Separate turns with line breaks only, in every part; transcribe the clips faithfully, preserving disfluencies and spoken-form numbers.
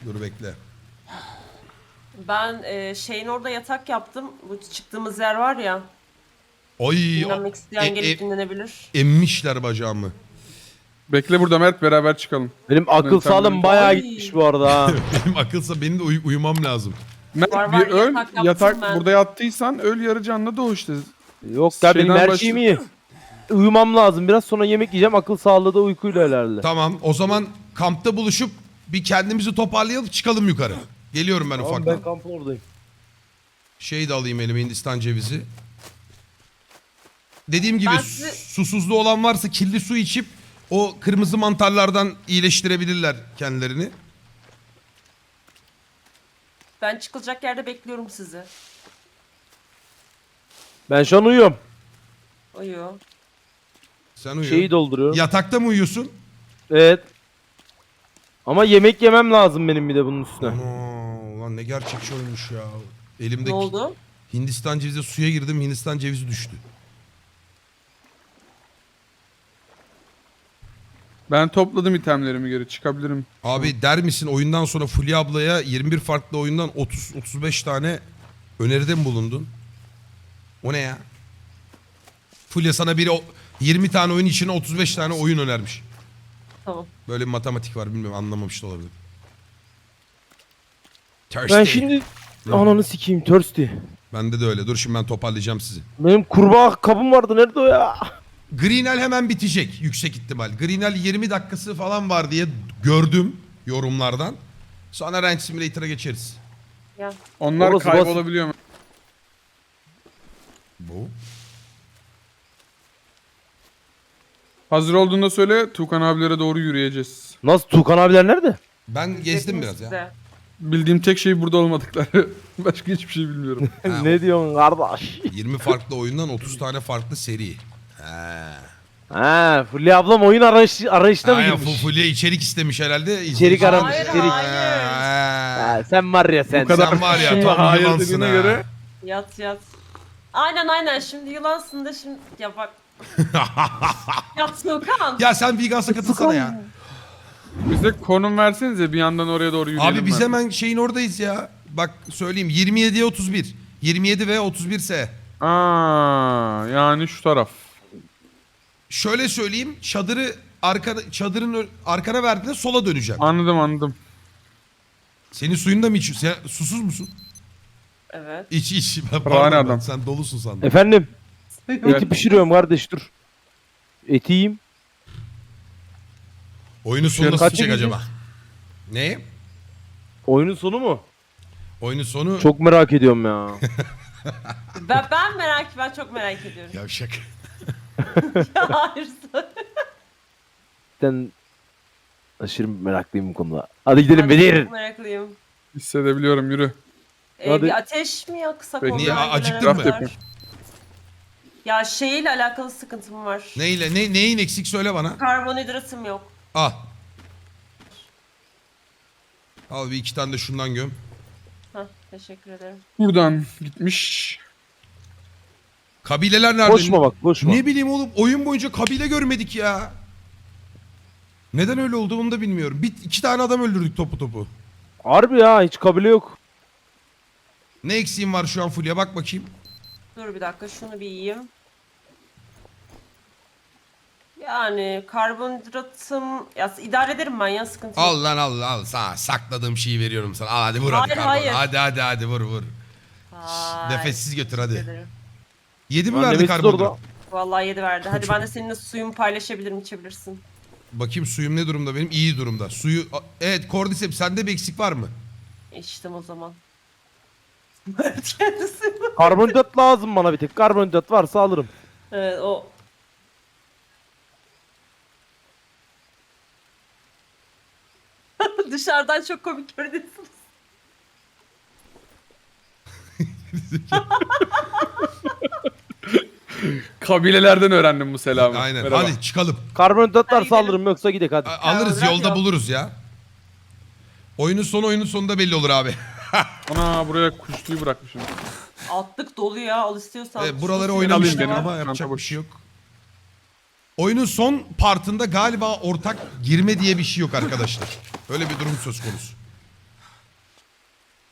Dur bekle.
Ben e, şeyin orada yatak yaptım. Bu çıktığımız yer var ya.
Oy.
Dinlenmek isteyen
e-
gelip
e-
dinlenebilir.
Emmişler bacağımı.
Bekle burada Mert, beraber çıkalım.
Benim akıl
Sen-
sağlığım bayağı
Ay.
gitmiş bu arada ha.
Benim akılsa benim de uy- uyumam lazım.
Mert
Var,
bir
var,
öl,
yatak
yatak,
yaptım ben.
burada yattıysan öl, yarı canlı doğ işte.
Yok ya benim
Şeyden
her
başla-
şeyim iyi. Uyumam lazım. Biraz sonra yemek yiyeceğim. Akıl sağlığı da uykuyla herhalde.
Tamam o zaman kampta buluşup bir kendimizi toparlayalım çıkalım yukarı. Geliyorum ben
Tamam,
ufaktan.
ben kampın oradayım.
Şey de alayım elime Hindistan cevizi. Dediğim gibi
Ben
su-
sizi-
susuzluğu olan varsa kirli su içip o kırmızı mantarlardan iyileştirebilirler kendilerini.
Ben çıkılacak yerde bekliyorum sizi.
Ben şu an uyuyorum.
Uyuyor.
Sen uyu.
Şeyi dolduruyorum.
Yatakta mı uyuyorsun?
Evet. Ama yemek yemem lazım benim bir de bunun üstüne.
Ana, ulan ne gerçekçi olmuş ya. Elimde
Ne oldu?
Hindistan cevizi suya girdim Hindistan cevizi düştü.
Ben topladım itemlerimi, geri çıkabilirim.
Abi der misin oyundan sonra Fulya ablaya yirmi bir farklı oyundan otuz otuz beş tane öneride mi bulundun? O ne ya? Fulya sana biri o- yirmi tane oyun içine otuz beş tane oyun önermiş.
Tamam.
Böyle bir matematik var bilmiyorum anlamamış da olabilir. Thirsty.
Ben şimdi ananı sikeyim thirsty.
Bende de öyle. Dur şimdi ben toparlayacağım sizi.
Benim kurbağa kabım vardı. Nerede o ya?
Greenel hemen bitecek yüksek ihtimal. Greenel yirmi dakikası falan var diye gördüm yorumlardan. Sonra Ranch Simulator'a geçeriz.
Gel.
Onlar
Orası
kaybolabiliyor mu?
Bu.
Hazır olduğunda söyle, Tukan abilere doğru yürüyeceğiz.
Nasıl Tukan abiler nerede?
Ben gezdim
Bekledim
biraz ya.
size.
Bildiğim tek şey burada olmadıkları. Başka hiçbir şey bilmiyorum.
Ha,
ne diyorsun kardeş?
yirmi farklı oyundan otuz tane farklı seri. He.
Ha, Fulya ablam oyun arayış, arayışına mı
Aynen
girmiş?
Fulya içerik istemiş herhalde.
İçerik aramış,
Hayır,
içerik.
hayır.
Ha.
Ha, sen var ya sen.
Bu kadar
Sen var ya
şimdi
tam
hayır
yılansın
dediğine
ha.
göre.
Yat yat. Aynen aynen şimdi yılansın da şimdi ya bak. Yat Okan.
Ya sen Vegas'a katılsana ya.
Bize konum versenize, bir yandan oraya doğru yürüyelim.
Abi biz
ben.
hemen şeyin oradayız ya. Bak söyleyeyim yirmi yediye otuz bir. yirmi yedi ve otuz bir ise.
Aa, yani şu taraf.
Şöyle söyleyeyim çadırı arka, çadırın ö- arkana verdiğinde sola döneceğim.
Anladım anladım.
Senin suyunu da mı içiyorsun? Sen susuz musun?
Evet.
İç iç. Ben
Rani
pardon, ben
adam.
sen dolusun sandım.
Efendim?
Evet.
Eti pişiriyorum kardeş dur. Eti yiyeyim.
Oyunun sonu nasıl
Kaç
bitecek
gideceğiz?
acaba? Ne?
Oyunun sonu mu?
Oyunun sonu...
Çok merak ediyorum ya.
Ben, ben merak ben çok merak ediyorum.
Yavşak.
Ya hayır.
Ben aşırı meraklıyım bu konuda. Hadi gidelim
Ben
Bedir.
çok meraklıyım.
Hissedebiliyorum, yürü.
Ee,
Hadi.
bir ateş mi yaksak
Peki.
onlar
Niye,
gelene
acıktın mı?
kadar? Ya şeyle alakalı sıkıntım var.
Neyle? Ne, neyin eksik söyle bana.
Karbonhidratım yok.
Al. Al bir iki tane de şundan göm.
Hah, teşekkür ederim.
Buradan gitmiş.
Kabileler nerede?
Koşma bak koşma.
Ne bileyim oğlum oyun boyunca kabile görmedik ya. Neden öyle oldu onu da bilmiyorum. Bir, iki tane adam öldürdük topu topu.
Harbi ya hiç kabile yok.
Ne eksiğim var şu an Fulya bak bakayım.
Dur bir dakika şunu bir yiyeyim. Yani karbonhidratım ya idare ederim ben ya sıkıntı yok.
Al lan al al sana sakladığım şeyi veriyorum sana. Al hadi vur hadi
Hayır,
karbon.
hayır.
Hadi hadi hadi vur vur.
Vay,
Nefessiz götür
teşekkür
hadi.
ederim.
Yedi mi
Lan
verdi
Nemesis
karbonhidrat?
orada.
Vallahi yedi verdi. Hadi ben de seninle suyumu paylaşabilirim, içebilirsin.
Bakayım suyum ne durumda benim? İyi durumda. Suyu... Evet Cordyceps sende bir eksik var mı?
İçtim o zaman. Evet kendisi.
Karbonhidrat lazım bana bir tek. Karbonhidrat varsa alırım.
Evet o. Dışarıdan çok komik görünüyorsunuz.
Kabilelerden öğrendim bu selamı.
Aynen.
Merhaba.
Hadi çıkalım.
Karbonhidrat
Hadi
varsa
gidelim.
alırım yoksa gidelim hadi.
A- alırız
Karbonhidrat
yolda
yok.
buluruz ya. Oyunun sonu oyunun sonunda belli olur abi.
Ana, buraya kuşluyu bırakmışım.
Altlık dolu ya al istiyorsan.
Evet, buraları
Su
oynamıştık
alayım
suyuna
benim.
ama
var.
yapacak
Çanta
bir şey yok. Oyunun son partında galiba ortak girme diye bir şey yok arkadaşlar. Öyle bir durum söz konusu.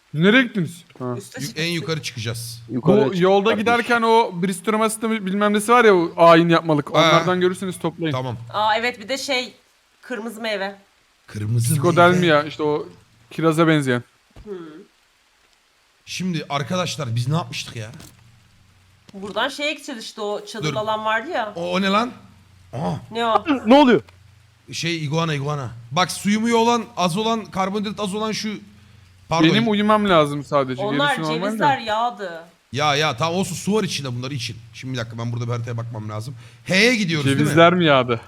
Nereye gittiniz? Ha.
Üste
Yu-
çıktık.
En yukarı çıkacağız.
Yukarıya
Bu
çık
yolda
kardeş.
giderken o Bristol sistemi bilmem nesi var ya o ayin yapmalık.
Ha.
Onlardan görürseniz toplayın.
Tamam.
Aa evet, bir de şey kırmızı meyve.
Kırmızı
Psikodelmia işte o kiraza benzeyen.
Şimdi arkadaşlar biz ne yapmıştık ya?
Buradan şeye gideceğiz işte, o çadır
Dur.
alan vardı ya.
O, o ne lan? Aa,
Ne o?
Ne oluyor?
şey iguana iguana. Bak suyu muyu olan az olan karbonhidrat az olan şu pardon.
Benim uyumam lazım sadece.
Onlar
Gerisi normal
cevizler
de.
yağdı.
Ya ya tamam olsun, su var içinde, bunları için. Şimdi bir dakika ben burada bir haritaya bakmam lazım. H'ye gidiyoruz değil mi?
Cevizler mi yağdı?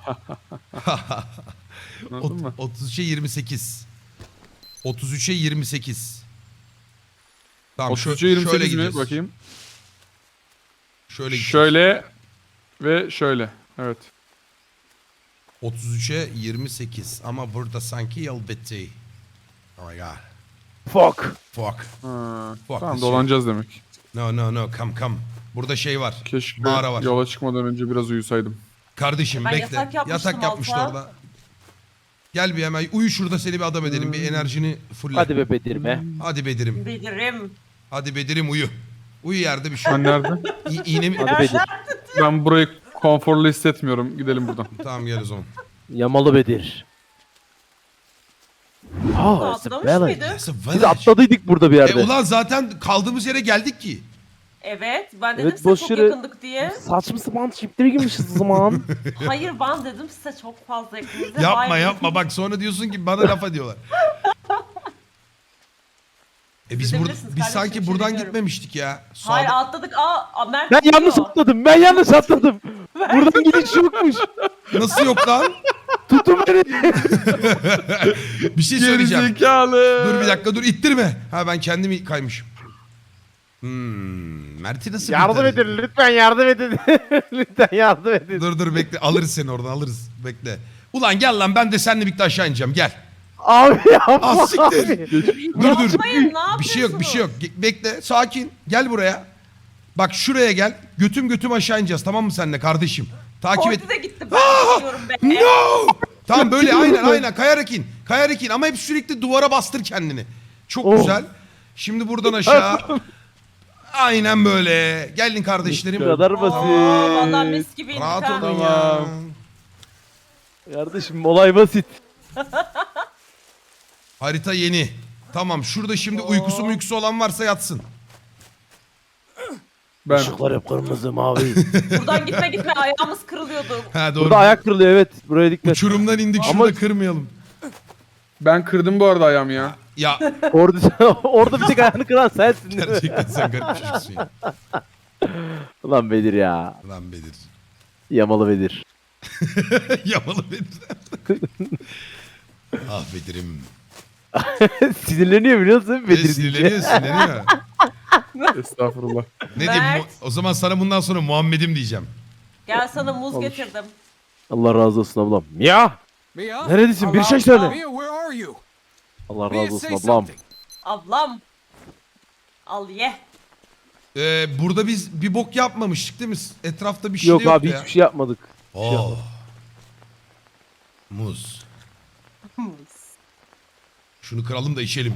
Anladın
Ot-
mı?
otuz üçe yirmi sekiz. otuz üçe yirmi sekiz. Tamam şö-
otuz üçe yirmi
şöyle
sekiz mi?
gidiyoruz.
Bakayım.
Şöyle gidiyoruz.
Şöyle ve şöyle. Evet.
otuz üçe yirmi sekiz ama burada sanki yol bitti. Oh my god.
Fuck.
Fuck.
Ha,
Fuck
tamam
this
dolanacağız demek.
No no no come come. Burada şey var.
Keşke
Mağara var.
yola çıkmadan önce biraz uyusaydım.
Kardeşim
Ben
bekle.
yatak yapmıştım
Yatak yapmıştı
alta.
orada. Gel bir hemen uyu şurada, seni bir adam edelim. Bir enerjini fulle.
Hadi be Bedirme.
Hadi Bedir'im.
Bilirim.
Hadi Bedir'im uyu. Uyu yerde bir şey.
Ben nerede?
İ- iğne mi?
Hadi Bedir.
Ben burayı konforlu hissetmiyorum. Gidelim buradan.
Tamam gel o zaman.
Yamalı Bedir. Ha, it's a
Atlamış
village.
mıydı?
That's a
Biz
village.
atladıydık burada bir
E
yerde.
ulan zaten kaldığımız yere geldik ki.
Evet, ben dedim
Evet,
size
boş
çok
yere-
yakındık diye.
Saçma sapan çiplere girmişiz o zaman.
Hayır, ben dedim size çok fazla yakınız. diye.
Yapma
Hayır.
yapma bak sonra diyorsun ki bana laf ediyorlar. E biz, bur
Gidebilirsiniz
biz
kardeşim,
sanki
bir şey
buradan
demiyorum.
gitmemiştik ya. Sağda-
Hayır, atladık. Aa, aa, Mert
Ben yanlış
gidiyor.
atladım. Ben yanlış atladım. Buradan gidiş yokmuş.
Nasıl yok lan?
Tutun beni.
Bir şey söyleyeceğim.
Gerizekalı.
Dur bir dakika dur, ittirme. Ha ben kendimi kaymışım. Hmm, Mert'i nasıl
Yardım
kurtaracağız?
edin lütfen, yardım edin. Lütfen yardım edin.
Dur dur bekle, alırız seni oradan, alırız. Bekle. Ulan gel lan, ben de seninle birlikte aşağı ineceğim, gel.
Abi yapma
Ah siktir.
abi.
Dur dur.
Yapmayın, ne yapıyorsunuz?
Bir şey yok bir şey yok. Ge- Bekle, sakin. Gel buraya. Bak şuraya gel. Götüm götüm aşağı ineceğiz, tamam mı seninle kardeşim? Takip et.
Kordi de gitti. Ben gidiyorum be.
No! Tamam böyle aynen aynen kayarak in. Kayarak in ama hep sürekli duvara bastır kendini. Çok
Oh.
güzel. Şimdi buradan aşağı. Aynen böyle. Gelin kardeşlerim.
Bu kadar
Oo, vallahi
basit.
mis gibi indik
Rahat
ha.
olun
Tamam.
ya.
Kardeşim olay basit.
Harita yeni. Tamam şurada şimdi
Oo.
uykusu muykusu olan varsa yatsın.
Ben.
Işıklar hep kırmızı mavi.
Buradan gitme gitme, ayağımız kırılıyordu.
Ha doğru.
Burada ayak kırılıyor, evet. Buraya dikkat.
Uçurumdan indik,
Ama-
şurada kırmayalım.
Ben kırdım bu arada ayağımı ya.
Ya
Orada, orada bir tek ayağını kıran sensin değil mi?
gerçekten sen garip bir çocuksun ya.
Ulan Bedir ya.
Lan Bedir.
Yamalı Bedir.
Yamalı Bedir. Ah Bedir'im.
Sinirleniyor biliyor musun
Bedir
Bedir deyince?
sinirleniyor sinirleniyor.
Estağfurullah.
Ne diyeyim?
Mert.
Mu- O zaman sana bundan sonra Muhammed'im diyeceğim.
Gel sana muz
Olur.
getirdim.
Allah razı olsun ablam. Ya!
Mia?
Neredesin? Bir
Allah
şey
Allah.
söyle.
Mia, where are you?
Allah
Mia,
razı olsun
say
ablam.
something.
Ablam. Al ye.
Ee, burada biz bir bok yapmamıştık değil mi? Etrafta bir şey
Yok
de yoktu
abi
ya.
hiçbir şey yapmadık. şey
Oh.
yapmadık.
Muz. Şunu kıralım da içelim.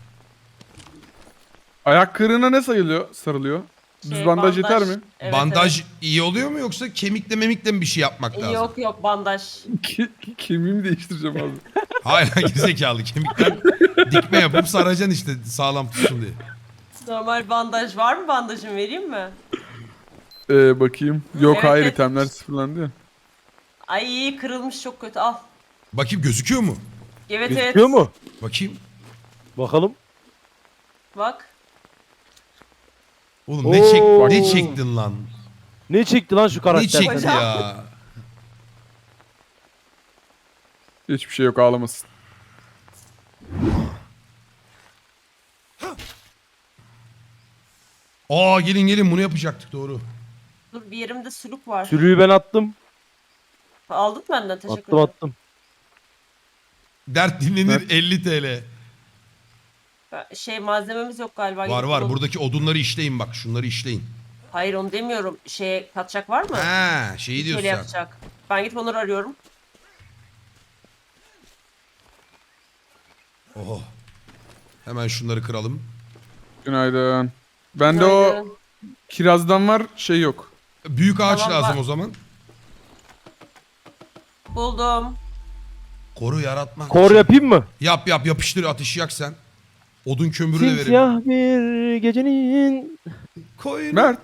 Ayak kırığına ne sayılıyor? Sarılıyor. Düz
Şey,
bandaj yeter mi?
Evet,
Bandaj
evet.
iyi oluyor mu yoksa kemikle memikle mi bir şey yapmak lazım?
Yok yok, bandaj.
Ke kemiğimi değiştireceğim abi.
Hayır gerizekalı, kemikten dikme yapıp saracaksın işte sağlam tutsun diye.
Normal bandaj var mı? Bandajım vereyim mi?
Ee, bakayım. Yok
Evet,
hayır
evet.
itemler sıfırlandı ya.
Ay, kırılmış çok kötü, al.
Bakayım gözüküyor mu?
Evet evet.
Gözüküyor mu?
Bakayım.
Bakalım.
Bak.
Oğlum ne çek
Oo.
ne çektin lan?
Ne çekti lan şu
Ne
karakter?
çekti
sende?
ya?
Hiçbir şey yok ağlamasın.
Aa gelin gelin bunu yapacaktık doğru.
Dur, bir yerimde sülük var.
Sürüyü ben attım.
Aldın mı benden? Teşekkür
Attım
ederim.
attım.
Dert dinlenir elli TL.
Şey, malzememiz yok galiba.
Var
Gidip
var
bulalım.
buradaki odunları işleyin bak, şunları işleyin.
Hayır, onu demiyorum. Şey, katacak var mı?
Ha şeyi
Şöyle
diyorsun sen.
yapacak. Ben gidip onları arıyorum.
Oho. Hemen şunları kıralım.
Günaydın. Bende o
Günaydın.
kirazdan var, şey yok.
Büyük ağaç
Tamam,
lazım
bak.
o zaman.
Buldum.
Koru yaratmak
Kor
için.
yapayım mı?
Yap yap yapıştır ateşi yak sen. Odun kömürü de verelim.
Simsiyah bir gecenin
Koyun.
Mert.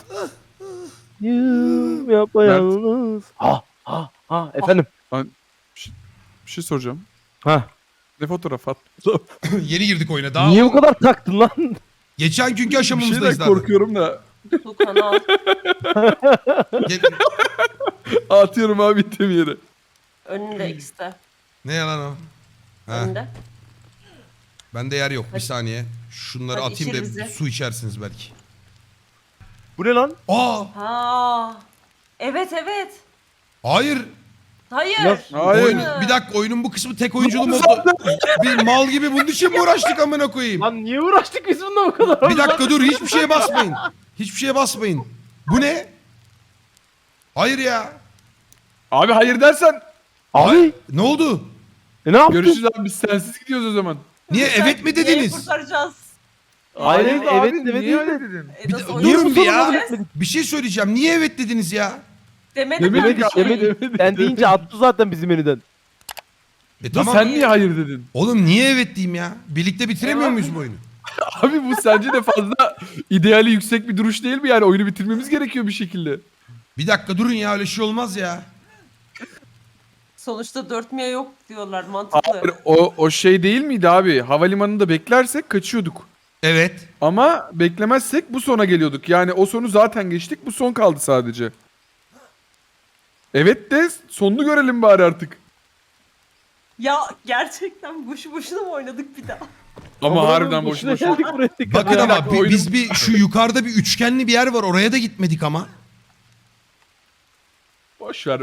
yıl yapayalnız. Ha ha ha efendim.
Bir şey soracağım.
Ha.
Ne fotoğraf at?
Yeni girdik oyuna. Daha
Niye
o-
bu kadar taktın lan?
Geçen günkü
Bir şeyden
aşamamızdayız zaten.
korkuyorum da.
Tukan al.
Ge-
Atıyorum abi item yere.
Önünde ikisi de.
ne yalan o? Ha,
Önünde.
bende yer yok. Bir saniye. Şunları
Hadi
atayım da
içir bizi.
su içersiniz belki.
Bu ne lan?
Aa!
Ha. Evet evet.
Hayır.
Hayır.
Nasıl?
Hayır.
Oyun, bir dakika oyunun bu kısmı tek oyunculu modu. Bir mal gibi bunun için mi uğraştık amına koyayım?
Lan niye uğraştık biz bununla bu kadar?
Bir dakika dur hiçbir şeye basmayın. Hiçbir şeye basmayın. Bu ne? Hayır ya.
Abi hayır dersen
Abi
Ne oldu?
e, ne yaptın?
görüşürüz abi, biz sensiz gidiyoruz o zaman.
Niye
Sen
evet mi
neyi
dediniz?
kurtaracağız?
Hayır,
Hayır
evet,
abi,
evet
niye
değil
öyle
de.
dedin?
E,
Bir
nasıl
de-
oyun
durun
Niye bu
bir ya.
sorunu etmedik?
Bir şey söyleyeceğim. Niye evet dediniz ya?
Demedim
Demedik
ben.
abi,
Demedik.
demedik,
Sen deyince attı zaten bizim menüden.
E
Dur,
tamam.
sen niye hayır dedin?
Oğlum niye evet diyeyim ya? Birlikte bitiremiyor
Eyvah.
muyuz bu oyunu?
Abi bu sence de fazla ideali yüksek bir duruş değil mi yani? Oyunu bitirmemiz gerekiyor bir şekilde.
Bir dakika durun ya öyle şey olmaz ya.
Sonuçta dört miye yok diyorlar mantıklı.
Hayır, o, o şey değil miydi abi? Havalimanında beklersek kaçıyorduk.
Evet.
Ama beklemezsek bu sona geliyorduk. Yani o sonu zaten geçtik, bu son kaldı sadece. Evet de sonunu görelim bari artık.
Ya gerçekten boşu boşuna mı oynadık bir daha?
Ama harbiden boş
boşuna
boş.
geldik buraya tekrar.
Bakın
Bir
ama
dakika,
bi-
oyunun-
biz bir şu yukarıda bir üçgenli bir yer var oraya da gitmedik ama.
Boş ver be.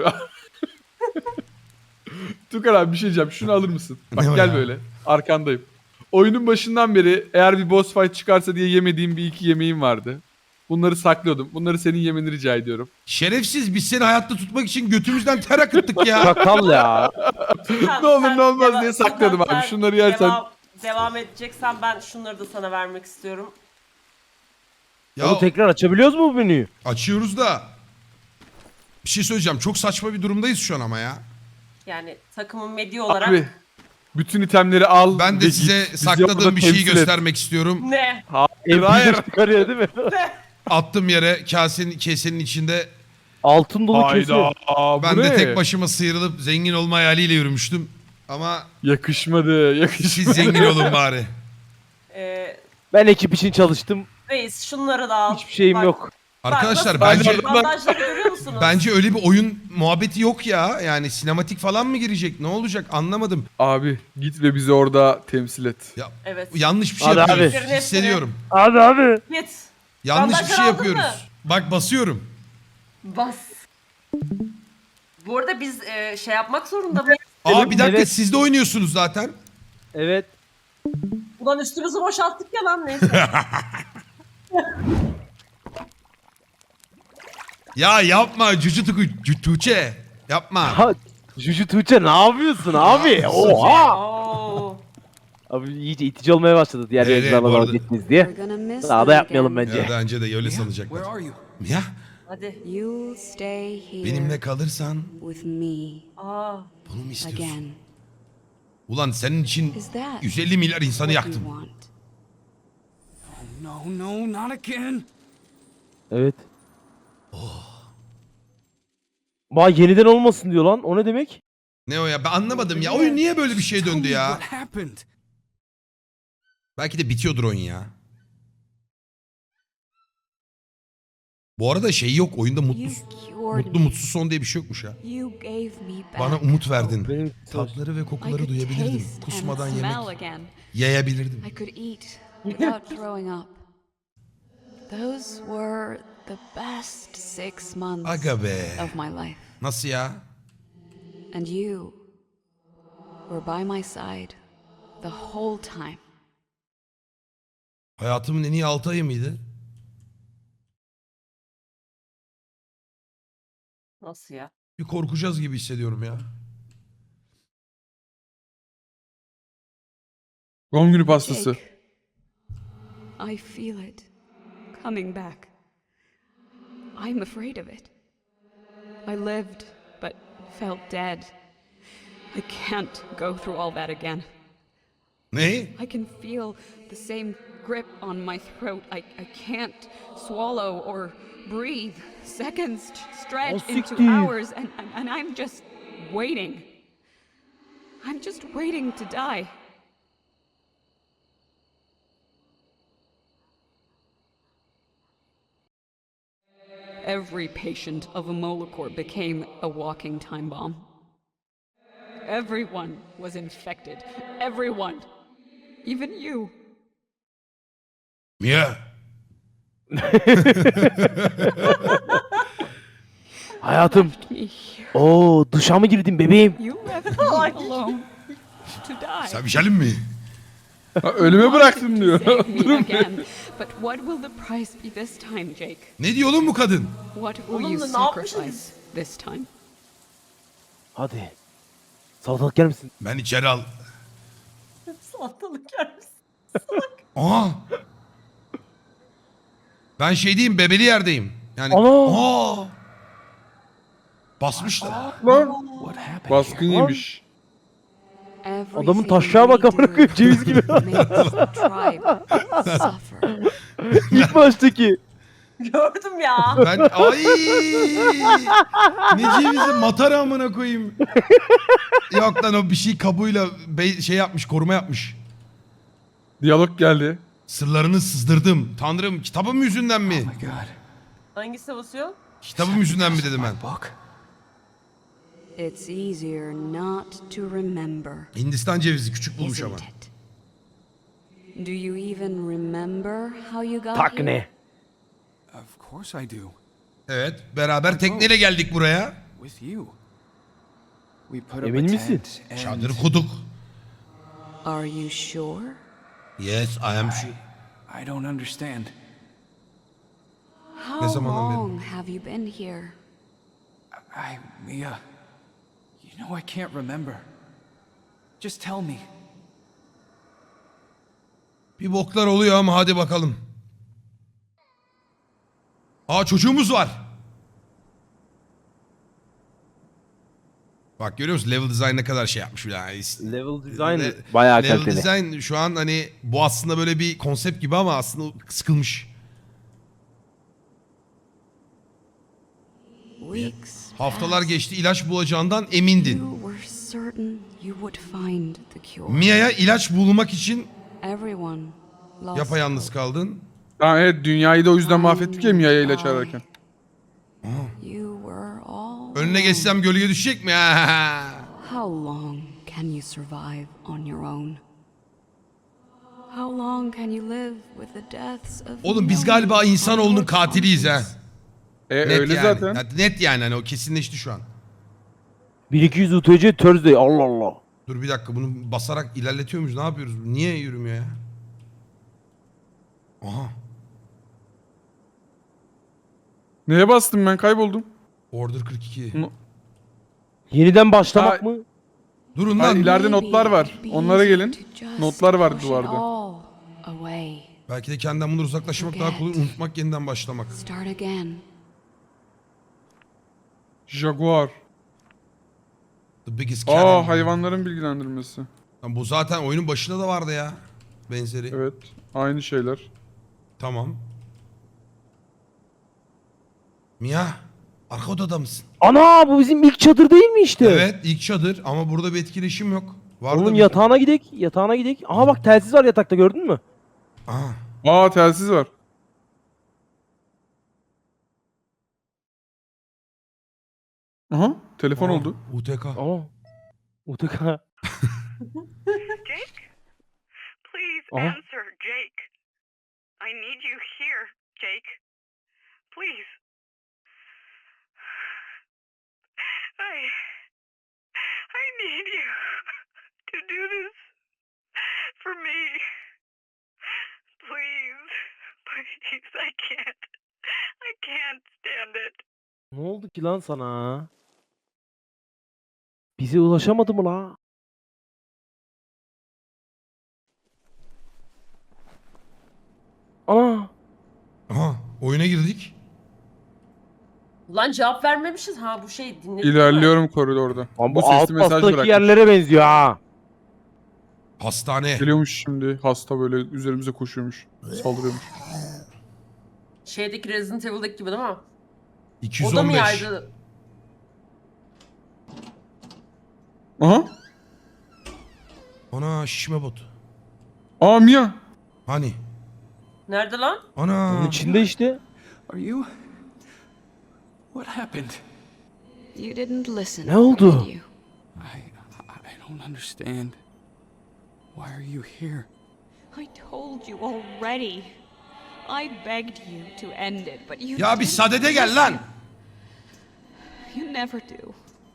Tukar abi bir şey diyeceğim. Şunu alır mısın? Bak
Ne o
gel
ya?
böyle. Arkandayım. Oyunun başından beri eğer bir boss fight çıkarsa diye yemediğim bir iki yemeğim vardı. Bunları saklıyordum. Bunları senin yemeni rica ediyorum.
Şerefsiz biz seni hayatta tutmak için götümüzden ter akıttık ya.
Çakal ya.
Sen-
Ne olur
sen
ne olmaz
deva-
diye sakladım
sen
abi. Şunları yersen.
Devam, devam edeceksen ben şunları da sana vermek istiyorum.
Ya
Onu tekrar açabiliyoruz mu bu menüyü?
açıyoruz da. Bir şey söyleyeceğim. Çok saçma bir durumdayız şu an ama ya.
Yani takımın medya olarak.
Abi bütün itemleri al.
Ben
ve
de
git.
size
Bizi
sakladığım
orada
bir şeyi
temsil et.
göstermek istiyorum.
Ne?
Hayır hayır.
M P çıkarıyor değil mi?
Attım yere kasenin kesenin içinde.
Altın dolu kesi.
Hayda. Aa, bu
Ben de
ne?
tek başıma sıyrılıp zengin olma hayaliyle yürümüştüm. Ama
Yakışmadı. Yakışmadı.
siz zengin olun bari.
Ee,
Ben ekip için çalıştım.
reis şunları da al.
Hiçbir şeyim
Bak,
yok.
bak
Arkadaşlar
nasıl-
bence
Bandajları görüyor musunuz?
bence öyle bir oyun muhabbeti yok ya. Yani sinematik falan mı girecek? Ne olacak? Anlamadım.
Abi git ve bizi orada temsil et.
Ya
Evet.
yanlış bir şey
Hadi
yapıyoruz.
abi.
Hissediyorum.
Hadi abi.
Git.
Yanlış bir
Bandajları
şey
aldın
yapıyoruz.
mı?
Bak basıyorum.
Bas. Bu arada biz e, şey yapmak zorunda mıyız?
Aa bir dakika
Evet.
siz de oynuyorsunuz zaten.
Evet.
Ulan üstümüzü boşalttık ya lan neyse.
Ya yapma Cucu Tuku, Cu- Tuğçe. Yapma.
Ha, Juju Tuğçe ne yapıyorsun abi? Oha.
Oo.
Abi iyice itici olmaya başladı diğer
Evet,
yayıncılarla
bu
dalga
arada-
geçmeyiz diye.
We're gonna miss
Daha
them
da yapmayalım
again.
bence.
Ya bence de öyle sanacaklar. Ya
Hadi.
You'll stay here
benimle kalırsan
with me
Aa.
bunu mu istiyorsun?
again.
Ulan senin için
Is that
yüz elli milyar insanı
what you
yaktım.
want?
No, no, not again.
Evet. Ba yeniden olmasın diyor lan. O ne demek?
Ne o ya ben anlamadım ya. Oyun niye böyle bir şey
Tell
döndü
me
ya?
What happened?
Belki de bitiyordur oyun ya. Bu arada şey yok oyunda mutlu,
You cured
mutlu
me.
mutsuz son diye bir şey yokmuş ya.
You gave me back.
Bana umut verdin.
Benim
Tatları ve
I
kokuları
could
duyabilirdim.
taste
Kusmadan
and
yemek
smell again.
yayabilirdim.
I could eat without throwing up. Those were the best six months
Aga be.
of my life.
Nasıl ya?
And you were by my side the whole time.
Hayatımın en iyi altı ayı mıydı?
Nasıl ya?
Bir korkacağız gibi hissediyorum ya.
Doğum günü pastası.
Jake, I feel it coming back. I'm afraid of it. I lived, but felt dead. I can't go through all that again.
Ne?
I can feel the same grip on my throat. I, I can't swallow or breathe. Seconds stretch
Oh,
into
siktir.
hours, and, and, and I'm just waiting. I'm just waiting to die. Every patient of a Molocor became a walking time bomb. Everyone was infected. Everyone. Even you.
Mia.
Hayatım.
Me here.
Oo duşa mı girdin bebeğim?
You left me alone to die.
Sen bir şeylim mi?
Ha, ölüme bıraktın diyor.
Save me again. But what will the price be this time, Jake?
Ne diyor oğlum bu kadın?
What will
Oğlum
you
da ne yapmışsınız?
sacrifice this time?
Hadi. Salatalık yer misin?
Ben içeri al.
Salatalık yer misin?
Aa. Ben şey diyeyim, bebeli yerdeyim. Yani
Ana.
aa. Basmışlar.
Lan. Baskın yemiş.
Adamın taşağa bak amına koyayım, ceviz gibi. İlk baştaki.
Gördüm ya.
Ben ay ne cevizi matara amına koyayım. Yok lan o bir şey kabuğuyla be- şey yapmış, koruma yapmış.
Diyalog geldi.
Sırlarını sızdırdım. Tanrım kitabım yüzünden mi?
Hangisi basıyor?
Kitabım yüzünden mi dedim ben.
It's easier not to remember,
Hindistan cevizi küçük bulmuş ama.
isn't it? Do you even remember how you got
Tak
here?
ne?
Of course I do.
Evet, beraber tekneyle geldik buraya.
With you. We put up
Emin
a
misin?
tent and
Çadır kuduk.
Are you sure?
Yes, I am sure.
I don't understand.
How
zamandan beri?
long have you been here?
I, Mia, you know I can't remember. Just tell me.
Bir boklar oluyor ama hadi bakalım. Aa çocuğumuz var. Bak görüyor musun level design ne kadar şey yapmış bir daha.
Level design
Le-
bayağı
level
kaliteli.
design şu an hani bu aslında böyle bir konsept gibi ama aslında sıkılmış.
Weeks
Haftalar
passed.
geçti ilaç bulacağından emindin.
You were certain you would find the cure.
Mia'ya ilaç bulmak için
Everyone lost
yapayalnız
hope.
kaldın.
Tamam evet dünyayı da o yüzden mahvettik ya Mia'ya ilaç ararken.
You were all
Önüne
alone.
geçsem gölge düşecek mi?
How long can you survive on your own? How long can you live with the deaths of
Oğlum biz
no
galiba
one
insanoğlunun
on your
katiliyiz ha.
conscience?
E
Net
öyle
yani.
zaten.
Ya net yani hani o kesinleşti şu an.
bin iki yüz U T C Thursday, Allah Allah.
Dur bir dakika bunu basarak ilerletiyor muyuz? Ne yapıyoruz? Niye yürümüyor ya? Aha.
Neye bastım ben kayboldum.
Order kırk iki.
N-
Yeniden başlamak
Ha,
mı?
Durun
Hayır,
lan.
ileride
Maybe
notlar var.
it'd be
Onlara
easier
gelin.
to just
Notlar var
push it
duvarda.
all away.
Belki de kendinden bundan uzaklaşmak daha kolay. Unutmak yeniden başlamak.
Start again.
Jaguar.
The biggest cannon.
Aa hayvanların bilgilendirmesi.
Lan bu zaten oyunun başında da vardı ya. Benzeri.
Evet. Aynı şeyler.
Tamam. Mia. Arka odada mısın?
Ana bu bizim ilk çadır değil mi işte?
Evet ilk çadır ama burada bir etkileşim yok. Var da
Oğlum
bir-
yatağına gidek, yatağına gidek. Aha bak telsiz var yatakta, gördün mü?
Aha.
Aa telsiz var. Aha telefon
Aa,
oldu.
U T K.
Ama U T K.
Jake? Please
Uh-huh.
answer, Jake. I need you here, Jake. Please. I. I need you to do this for me. Please. Please, I can't. I can't stand it.
Ne oldu ki lan sana? Bize ulaşamadı mı la? Ana.
Aha oyuna girdik.
Ulan cevap vermemişiz. Ha bu şey dinledik mi?
İlerliyorum koridorda.
Lan
Bu
bu alt
sesli mesaj
bastaki
bırakmış.
yerlere benziyor ha.
Hastane.
Geliyormuş şimdi. Hasta böyle üzerimize koşuyormuş. Saldırıyormuş.
Şeydeki Resident Evil'daki gibi değil mi?
iki yüz
O da
on
mı
beş.
yaydı?
Aha.
Ana şişme bot.
Aa Mia.
Hani?
Nerede lan?
Ana.
Bunun içinde işte.
Are you? What happened?
You didn't listen.
Ne oldu?
did you?
I I don't understand. Why are you here?
I told you already. I begged you to end it, but you
Ya bir
didn't
sadede gel lan.
listen. You never do.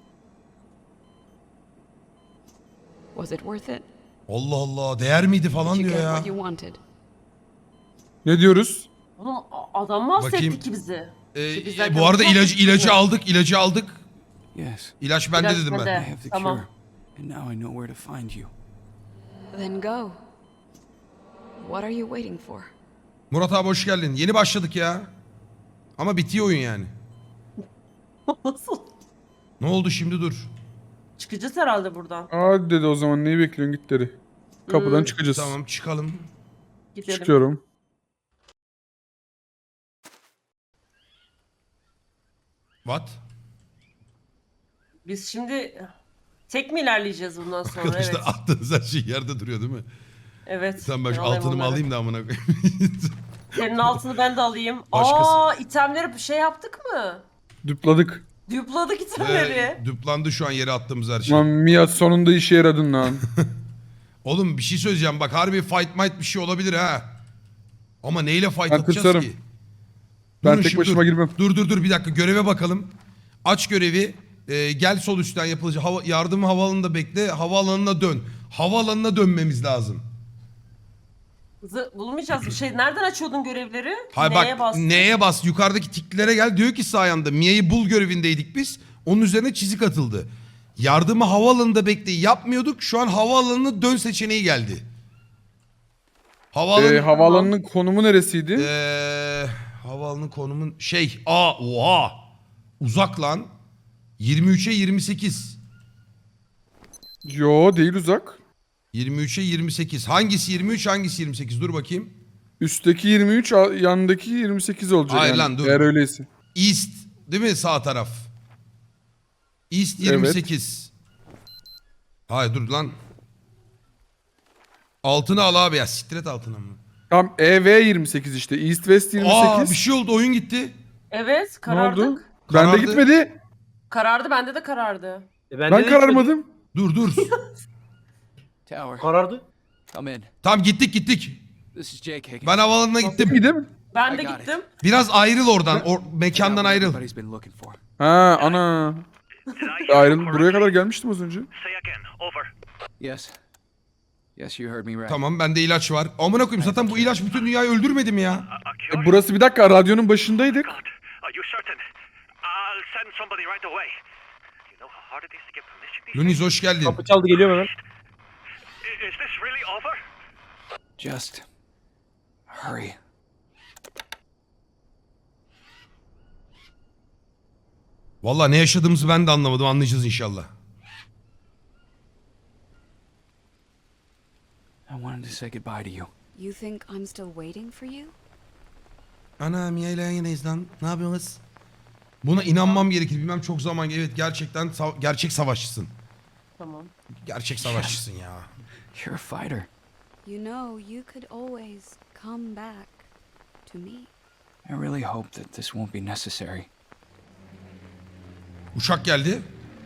Was it worth it?
Allah Allah değer miydi falan
Did you
diyor
get
ya.
what you wanted?
Ne diyoruz?
Oğlum a- adam mahsetti
Bakayım.
ki bizi.
Ee,
Ki biz
e,
zaten
bu arada
çok
ilacı
mutluyuz.
ilacı aldık, ilacı aldık.
Yes.
İlaç bende
İlaç
dedim
bende.
ben.
I have the
Tamam.
cure. And now I know where to find you.
Then go. What are you waiting for?
Murat abi hoş geldin. Yeni başladık ya. Ama bitiyor oyun yani.
Nasıl?
Ne oldu şimdi dur.
Çıkacağız herhalde buradan.
Aa dedi o zaman neyi bekliyorsun git dedi. Kapıdan
Hmm.
çıkacağız.
Tamam çıkalım.
Gidelim.
Çıkıyorum.
What?
Biz şimdi tek mi ilerleyeceğiz bundan sonra?
Arkadaşlar
Evet.
attığınız her şey yerde duruyor değil mi?
Evet.
Sen ben şu
Ben alayım
altınımı
onları.
alayım da amına koyayım.
Senin altını ben de alayım.
Başkası.
Aa, itemleri bir şey yaptık mı?
Dupladık.
Dupladık itemleri.
Ee, düplandı şu an yere attığımız her şey.
Lan Mia sonunda işe yaradın lan.
Oğlum bir şey söyleyeceğim bak harbi fight might bir şey olabilir ha. Ama neyle fight
Ben
atacağız
tırsarım.
ki?
Ben
Durun
tek
şimdi,
başıma
dur.
girmem.
Dur dur dur bir dakika göreve bakalım. Aç görevi. Ee, gel sol üstten yapılacak. Hava, yardım havaalanında bekle. Havaalanına dön. Havaalanına dönmemiz lazım.
Z- bulmayacağız bir şey. Nereden açıyordun görevleri?
Hayır
Neye
bak
bastın?
neye bas? Yukarıdaki tiklere gel. Diyor ki sağ yanda Mia'yı bul görevindeydik biz. Onun üzerine çizik atıldı. Yardımı havaalanında bekleyi yapmıyorduk. Şu an havaalanına dön seçeneği geldi. Havaalanı...
Ee, havaalanının konumu neresiydi?
Ee, havaalanının konumun şey aa oha uzak lan yirmi üçe yirmi sekiz
Yo değil uzak.
yirmi üçe yirmi sekiz hangisi yirmi üç hangisi yirmi sekiz dur bakayım.
Üstteki yirmi üç, al- yanındaki yirmi sekiz olacak.
Hayır
yani.
lan, dur.
Eğer öyleyse.
East değil mi sağ taraf East yirmi sekiz hayır dur lan altını al abi ya siktir et altına mı?
Tam E V yirmi sekiz işte. East West yirmi sekiz.
Aa bir şey oldu oyun gitti.
Evet,
Ne
karardık.
oldu?
Karardı.
Bende gitmedi.
Karardı, bende de karardı.
E
Ben,
bende de
kararmadım.
Dur dur.
Tower.
Karardı.
Come in.
Tamam gittik gittik.
This is Jake Higgins.
Ben havaalanına gittim.
İyi değil mi?
Ben
I
de
got it.
gittim.
Biraz ayrıl oradan. Or mekandan ayrıl.
Everybody's been looking for.
Ha ana.
Did I hear
Ayrıl
you
buraya
correctly?
kadar gelmiştim az önce.
Say again. Over.
Yes. Yes, you heard me right.
Tamam bende ilaç var. Amına koyayım zaten bu ilaç bütün dünyayı öldürmedi mi ya?
A, a
E,
cure?
burası bir dakika radyonun başındaydık.
God, are you certain? I'll send somebody right away. You know how hard it is to get permission these
Luniz hoş geldin.
Oh.
Kapı çaldı geliyor hemen.
days? I- Is this really over?
Just hurry.
Vallahi ne yaşadığımızı ben de anlamadım. Anlayacağız inşallah.
I wanted to say goodbye to you.
You think I'm still waiting for you?
Ana Mia ile yan yanayız lan. Ne yapıyorsunuz? Buna inanmam gerekir. Bilmem çok zaman. Evet gerçekten sa- gerçek savaşçısın.
Tamam.
Gerçek savaşçısın ya.
You're a fighter.
You know, you could always come back to me.
I really hope that this won't be necessary.
Uçak geldi.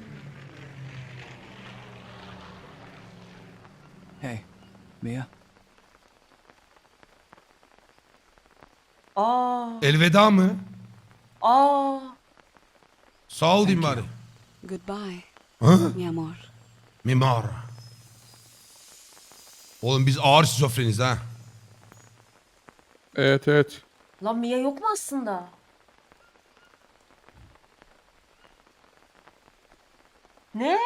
Hey, Mia.
Aa,
Elveda mı?
aa.
Sağ ol diyeyim
Thank
bari.
Goodbye,
Ha?
mi amor.
Mimar. Oğlum biz ağır şizofreniz ha.
Evet evet.
Lan Mia yok mu aslında? Ne?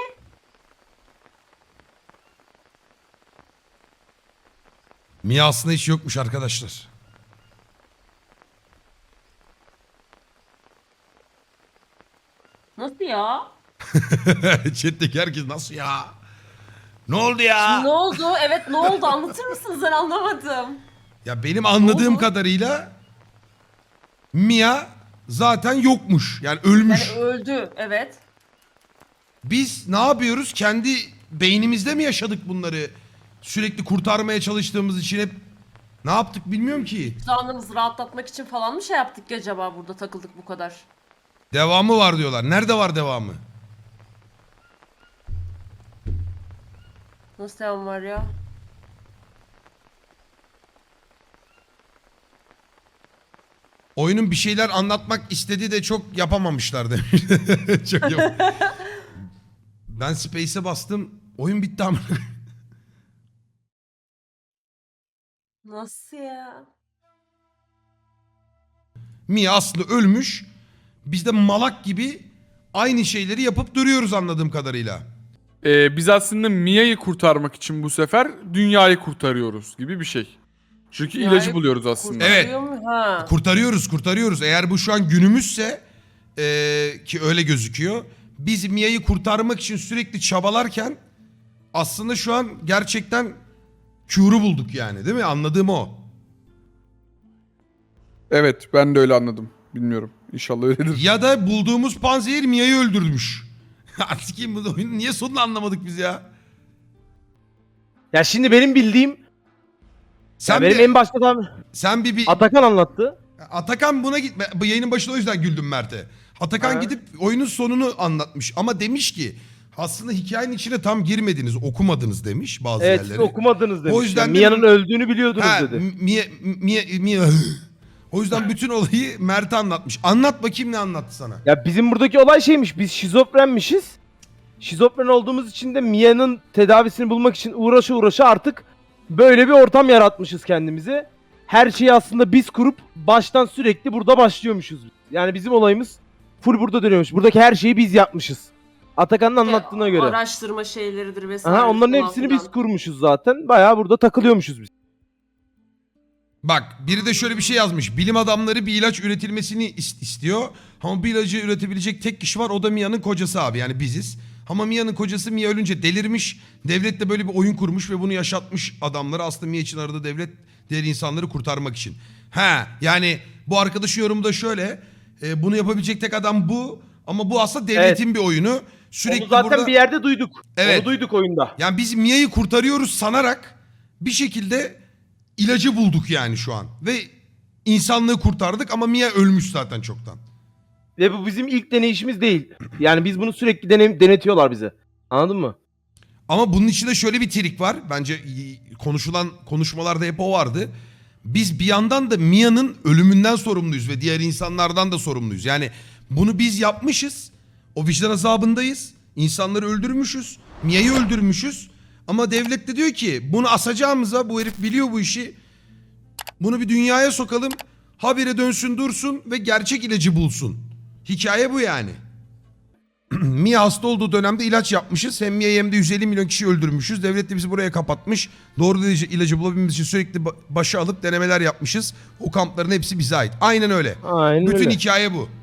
Mia aslında hiç yokmuş arkadaşlar.
ya?
Chat'teki herkes nasıl ya? Ne oldu ya?
Ne oldu? Evet ne oldu? Anlatır mısın? Ben anlamadım.
Ya benim anladığım
oldu?
kadarıyla Mia zaten yokmuş. Yani ölmüş.
Yani öldü. Evet.
Biz ne yapıyoruz? Kendi beynimizde mi yaşadık bunları? Sürekli kurtarmaya çalıştığımız için hep ne yaptık bilmiyorum ki.
Canımızı rahatlatmak için falan mı şey yaptık ki acaba burada takıldık bu kadar?
Devamı var diyorlar. Nerede var devamı?
Nasıl devam var ya?
Oyunun bir şeyler anlatmak istediği de çok yapamamışlar demiş. Çok yap- Ben Space'e bastım. Oyun bitti ama.
Nasıl ya?
Mia aslında ölmüş. Biz de malak gibi aynı şeyleri yapıp duruyoruz anladığım kadarıyla.
Ee, biz aslında Mia'yı kurtarmak için bu sefer dünyayı kurtarıyoruz gibi bir şey. Çünkü
Dünyayı
ilacı buluyoruz aslında.
Evet.
Kurtarıyor mu? Ha.
Kurtarıyoruz, kurtarıyoruz. Eğer bu şu an günümüzse eee, ki öyle gözüküyor. Biz Mia'yı kurtarmak için sürekli çabalarken aslında şu an gerçekten Q'ru bulduk yani, değil mi? Anladığım o.
Evet, ben de öyle anladım. Bilmiyorum. İnşallah öyledir.
Ya da bulduğumuz panzehir Mia'yı öldürmüş. Artık kim bu oyunu niye sonunu anlamadık biz ya?
Ya şimdi benim bildiğim
Sen
ya benim
bir,
en başta
sen bir, bir
Atakan anlattı.
Atakan buna gitme. Bu yayının başında o yüzden güldüm Mert'e. Atakan
Ha.
gidip oyunun sonunu anlatmış ama demiş ki aslında hikayenin içine tam girmediniz, okumadınız demiş bazı
Evet siz
yerleri.
okumadınız demiş.
O yüzden
Yani
de-
Mia'nın öldüğünü biliyordunuz
Ha,
dedi.
Mia, Mia, Mia. O yüzden bütün olayı Mert'e anlatmış. Anlat bakayım ne anlattı sana.
Ya bizim buradaki olay şeymiş. Biz şizofrenmişiz. Şizofren olduğumuz için de Mia'nın tedavisini bulmak için uğraşa uğraşa artık böyle bir ortam yaratmışız kendimize. Her şeyi aslında biz kurup baştan sürekli burada başlıyormuşuz. Yani bizim olayımız full burada dönüyormuş. Buradaki her şeyi biz yapmışız. Atakan'ın anlattığına göre.
Araştırma şeyleridir vesaire.
Aha, onların
falan
hepsini
filan.
biz kurmuşuz zaten. Bayağı burada takılıyormuşuz biz.
Bak biri de şöyle bir şey yazmış. Bilim adamları bir ilaç üretilmesini is- istiyor. Ama bir ilacı üretebilecek tek kişi var. O da Mia'nın kocası abi. Yani biziz. Ama Mia'nın kocası Mia ölünce delirmiş. Devlet de böyle bir oyun kurmuş ve bunu yaşatmış adamları. Aslında Mia için aradığı devlet diğer insanları kurtarmak için. Ha yani bu arkadaşın yorumu da şöyle. E, bunu yapabilecek tek adam bu. Ama bu aslında devletin bir oyunu. Sürekli
Onu zaten
burada...
bir yerde duyduk.
Evet.
Onu duyduk oyunda.
Yani biz Mia'yı kurtarıyoruz sanarak bir şekilde ilacı bulduk yani şu an. Ve insanlığı kurtardık ama Mia ölmüş zaten çoktan.
Ve bu bizim ilk deneyişimiz değil. Yani biz bunu sürekli dene- denetiyorlar bize. Anladın mı?
Ama bunun içinde şöyle bir trik var. Bence y- konuşulan konuşmalarda hep o vardı. Biz bir yandan da Mia'nın ölümünden sorumluyuz ve diğer insanlardan da sorumluyuz. Yani bunu biz yapmışız. O vicdan azabındayız. İnsanları öldürmüşüz. Mia'yı öldürmüşüz. Ama devlet de diyor ki bunu asacağımıza bu herif biliyor bu işi. Bunu bir dünyaya sokalım. Habire dönsün dursun ve gerçek ilacı bulsun. Hikaye bu yani. Mia hasta olduğu dönemde ilaç yapmışız. Hem Mia'yı hem de yüz elli milyon kişi öldürmüşüz. Devlet de bizi buraya kapatmış. Doğru ilacı, ilacı bulabilmemiz için sürekli ba- başa alıp denemeler yapmışız. O kampların hepsi bize ait. Aynen öyle.
Aynen
Bütün
öyle.
hikaye bu.